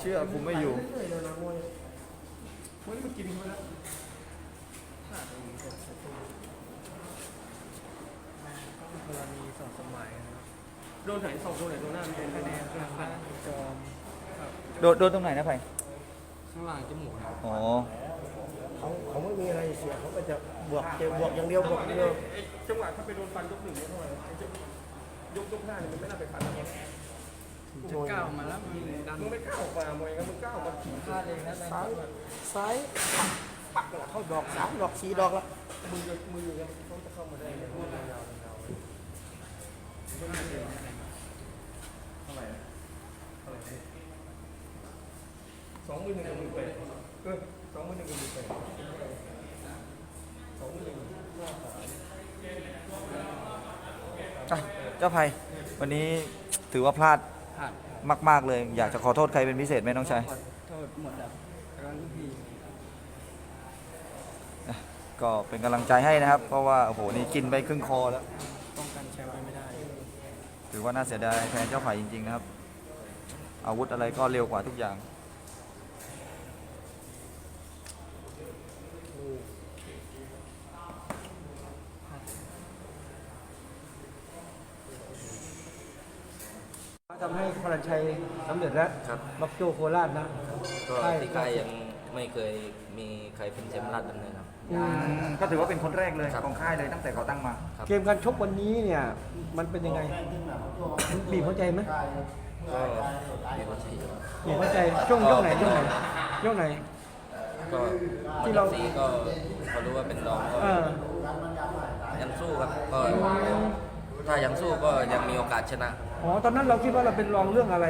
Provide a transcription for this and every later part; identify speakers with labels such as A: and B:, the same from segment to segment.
A: เชื่อคุมไม่อยู่
B: วันนี้มันกินเขาแล้วกรณีสองสมัยนะครับโดนไหนสองโดนไหนโดนหน้ามันเป็นคะแนนข้างจอม
A: โดนตรงไหนนะไผ่
B: ข้างล่างจมูกครับ
A: อ๋อ
C: เขาไม่มีอะไรเสียเขาก็จะบวกอย่างเดียวบวกอย่างเดียว
B: จังหวะถ้าไปโดนฟันยกหนึ่งเนี่ยเท่าไหร่ยกห้าเนี่ยมันไม่น่าไปฟันนะจะก้าวมาแล้วมึงไม่ก้าวออกมามวยกันมึงก้าวออกมาขี่พลาดเองนะ
C: ซ้ายปักเข้าดอก3 ดอก 4 ดอกละ
B: มือยังต้องจะเข้ามาได้เลยมือยาวไม่น่าเจอเท่าไหร่21,000กับ18,000 21,000กับ18,000
A: เจ้าไผ่วันนี้ถือว่าพลาดมากๆเลย อยากจะขอโทษใครเป็นพิเศษไหมน้องชาย
B: ขอโทษหมดแล้วแล้วพี่
A: ก็เป็นกำลังใจให้นะครับ เพราะว่าโอ้โหนี่กินไปครึ่งคอแล้ว
B: ป้องกันแชมป์ไม่ได้
A: ถือว่าน่าเสียดายแทนเจ้าไผ่จริงๆนะครับ อาวุธอะไรก็เร็วกว่าทุกอย่าง
C: ทำให้พลันชัยสำเร็จแล้ว
D: ครับ
C: บักโจโคราชนะ
D: ก็ที่ค่ายยังไม่เคยมีใครเป็นแชมป์ราชดำเนินครับ
A: ก็ถือว่าเป็นคนแรกเลย
D: ครับ
A: ของค่ายเลยตั้งแต่ก่อตั้งมา
D: ครับ
C: เกมการชกวันนี้เนี่ยมันเป็นยังไงมันบีบหัวใจไหม
D: ก็มีความถี่
C: บีบหัวใจช่วงยกไหนยกไหนยกไหน
D: ก็
C: ที่
D: ที่
C: เรา
D: เราซีก็พอรู้ว่าเป็นรองก็
C: เออ
D: ยังสู้ครับก็ถ้ายังสู้ก็ยังมีโอกาสชนะ
C: อ๋อตอนนั้นเราคิดว่าเราเป็นรองเรื่องอะไร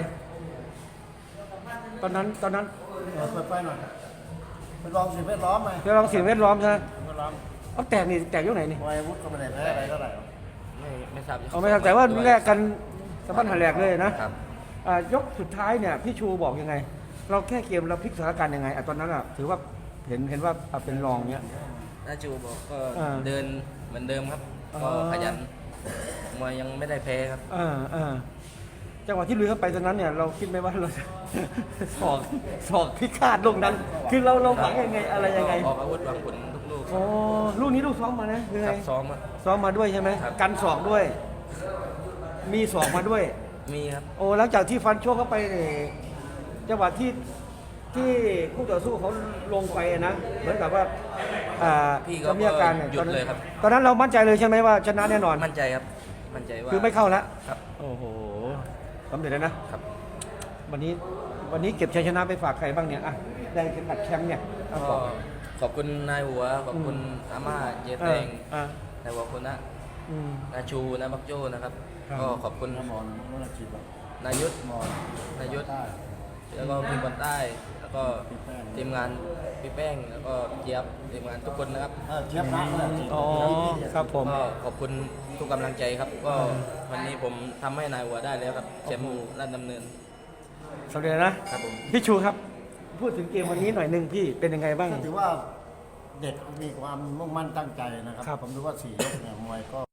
C: ตอนนั้น
E: เปิดไฟหน่อยเป็นรองสิ่งแวดล้อมไหม
C: เราลองสิ่งแวดล้อมใช่ไหม
E: สิ่งแวดล้อม
C: เอาแตกนี่แตกยกไหนนี่
E: มวยอาวุธก็ไม่ได้แพ้อะไรเท่าไหร่หรอก
D: ไม่ทราบ
C: เอาไม่ครับแต่ว่าแลกกันสะบั้นหันแหลกเลยนะครับ ยกสุดท้ายเนี่ยพี่ชูบอกยังไง เราแค่เกมเราพลิกสถานการณ์ยังไงตอนนั้นอ่ะถือว่าเห็นว่าเป็นรองเนี้ย
D: นาจูบอกก็
C: อ่า
D: เดินเหมือนเดิมครับ ก็
C: อ๋อ
D: ขยันมวยยังไม่ได้แพ้ครับ
C: จังหวะที่ลุยเข้าไปตอนนั้นเนี่ยเราคิดไหมว่าเราจะ สอกพิฆาตลงนั้น คือเราหวังยังไงอะไรยังไง
D: ออกอาวุธวางผลทุกลูก
C: อ๋อลูกนี้ลูกซ้อมมานะยัง
D: ค
C: ไง
D: รับซ้อมครับ
C: ซ้อมมาด้วยใช่ไหม
D: ครับ
C: กันศอกด้วย มีศอกมาด้วย
D: มีครับ
C: โอ้หลังจากที่ฟันโชกเข้าไปเนี่ยจังหวะที่คู่ต่อสู้เขาลงไปอะนะเหมือนกับว่า
D: พี่ก็
C: เขามีอาการนี่
D: หยุดเลยครับ
C: ตอนนั้นเรามั่นใจเลยใช่ไหมว่าชนะแน่นอน
D: มั่นใจครับ มั่นใจว่า
C: คือไม่เข้าแล้ว
D: ครับ
C: โอ้โหสำเร็จแล้วนะครับ วันนี้เก็บชัยชนะไปฝากใครบ้างเนี่ยอ่ะได้เข็มขัดแชมป์เนี่ยเอาบ
D: ก็
C: อก
D: ขอบคุณนายหัว ขอบคุณอาม่าเจแตง
C: อ่า
D: นายหัวคุณนะ
C: อืม
D: นาชูนาบักโจ้นะครับ
C: ครับ
D: ก็ขอบคุณ
E: น้ำมอนน้ำฉีดแบบ
D: นายุทธ
E: มอน
D: นายุทธ
E: ใต้
D: แล้วก็พี่บอลใต้ แล้วก็ทีมงานพี่แป้ง แล้วก็เจี๊ยบทีมงานทุกคนนะครับ
E: เทียบนะฉีด
C: อ๋อครับผม
D: ก็ขอบคุณทุกกำลังใจครับ ก็วันนี้ผมทำให้นายหัวได้แล้วครับแชมป์ราชดำเนิน
C: สำเร็จแล้วนะครับ
D: ผม
C: พี่ชูครับ พูดถึงเกมวันนี้หน่อยหนึ่งพี่เป็นยังไงบ้าง
E: ก็ถือว่าเด็กมีความมุ่งมั่นตั้งใจนะครับ
C: ครับ
E: ผมดูว่า4 ยกเนี่ยมวยก็